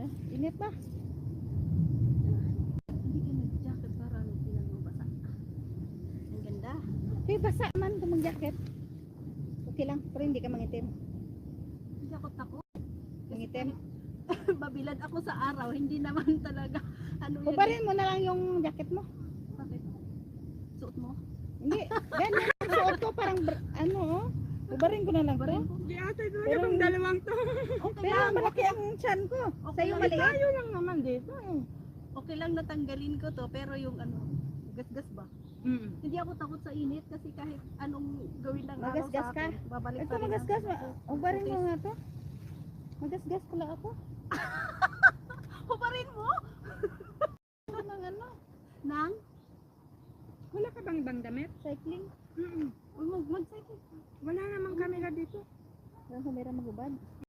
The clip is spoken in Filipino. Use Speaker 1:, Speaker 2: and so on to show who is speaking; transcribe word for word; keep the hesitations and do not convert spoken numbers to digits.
Speaker 1: Init ba?
Speaker 2: Hindi ka nag-jacket para hindi lang mabasa. Ang ganda.
Speaker 1: Hey, basa man kung mag-jacket. Okay lang, pero hindi ka mangitim.
Speaker 2: Hindi ako takot.
Speaker 1: Mangitim.
Speaker 2: Babilad ako sa araw, hindi naman talaga. Ano yan?
Speaker 1: Ubarin mo na lang yung jacket mo.
Speaker 2: Bakit? Suot mo?
Speaker 1: Hindi, ganyan ang suot ko parang br- ano oh. Ubarin ko na lang to.
Speaker 3: Hindi ate, ito
Speaker 1: Pero-
Speaker 3: yung dalawang to.
Speaker 2: Okay
Speaker 1: Pero
Speaker 2: lang.
Speaker 1: malaki ang tiyan ko.
Speaker 2: Okay
Speaker 1: Sa'yo
Speaker 2: lang.
Speaker 1: maliit.
Speaker 3: Tayo lang naman dito eh.
Speaker 2: Okay lang natanggalin ko to, pero yung ano, gasgas ba?
Speaker 3: Mm.
Speaker 2: Hindi ako takot sa init kasi kahit anong gawin ng araw
Speaker 1: Magasgas
Speaker 2: sa akin,
Speaker 1: ka?
Speaker 2: babalik
Speaker 1: Ito
Speaker 2: pa rin
Speaker 1: magasgas.
Speaker 2: ang-
Speaker 1: ma- Ubarin mo nga to. Magasgas pala ako.
Speaker 2: Hubarin mo?
Speaker 1: Ano ng ano?
Speaker 2: Nang?
Speaker 3: Wala ka bang bang damit?
Speaker 1: Cycling.
Speaker 3: Mm.
Speaker 2: Uy, mag- mag-cycle.
Speaker 3: Wala namang camera dito.
Speaker 1: Walang kamera magubad.